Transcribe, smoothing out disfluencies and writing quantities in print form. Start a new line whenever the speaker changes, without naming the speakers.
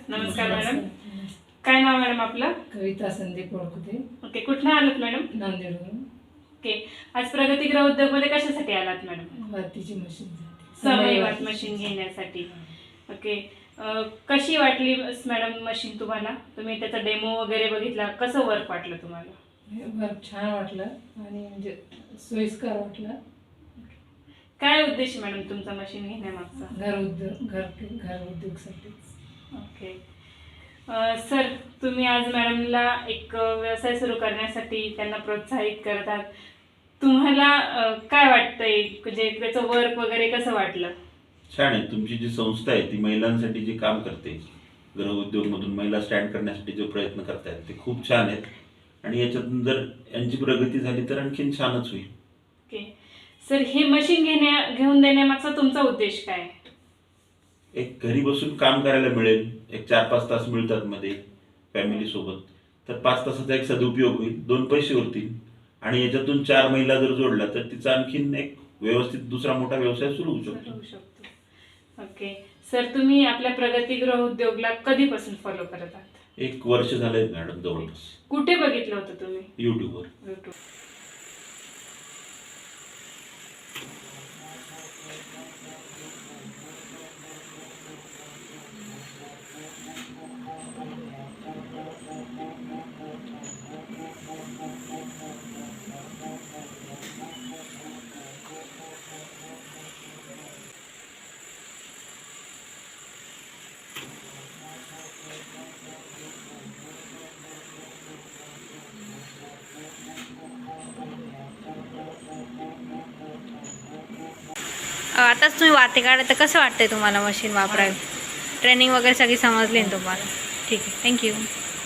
नमस्कार मॅडम. काय नाव मॅडम आपलं?
कविता संदीप ओळखते.
ओके, कुठनं आलात मॅडम?
नांदेडवरून.
ओके, आज प्रगतीगृह उद्योगमध्ये कशासाठी आलात मॅडम?
वातीची मशीन
समय वाट मशीन घेण्यासाठी. ओके, कशी वाटली मॅडम मशीन तुम्हाला? तुम्ही त्याचा डेमो वगैरे बघितला, कसं वर्क वाटलं तुम्हाला?
वर्क छान वाटलं आणि म्हणजे सोयीस्कर वाटलं.
काय उद्देश मॅडम तुमचा मशीन घेण्यामागचा?
घर उद्योगसाठी.
ओके सर, तुम्ही आज मॅडमला एक व्यवसाय सुरू करण्यासाठी त्यांना प्रोत्साहित करतात. तुम्हाला काय वाटतंय, म्हणजे त्याचं वर्क वगैरे कसं वाटलं?
छान आहे. तुमची जी संस्था आहे ती महिलांसाठी जे काम करते, गृह उद्योगमधून महिला स्टँड करण्यासाठी जो प्रयत्न करतायत ते खूप छान आहेत आणि याच्यातून जर यांची प्रगती झाली तर आणखीन छानच होईल.
ओके सर, हे मशीन घेऊन देण्यामागचा तुमचा उद्देश काय?
एक घरी बसून काम करायला मिळेल, एक 4-5 तास मिळतात मध्ये फॅमिली सोबत, तर 5 तासाचा एक सदुपयोग होईल, 2 पैसे उरतील आणि याच्यातून 4 महिला जर जोडला तर तिचा आणखीन एक व्यवस्थित दुसरा मोठा व्यवसाय सुरू होऊ शकतो.
ओके सर, तुम्ही आपल्या प्रगतीगृह उद्योगला कधीपासून फॉलो करत आहात?
1 वर्ष झालंय मॅडम जवळपास.
कुठे बघितलं होतं तुम्ही?
युट्यूबवर.
YouTube.
आताच तुम्ही वाते काढा, तर कसं वाटतंय तुम्हाला मशीन वापरायला? ट्रेनिंग वगैरे सगळी समजली ना तुम्हाला? ठीक आहे, थँक्यू.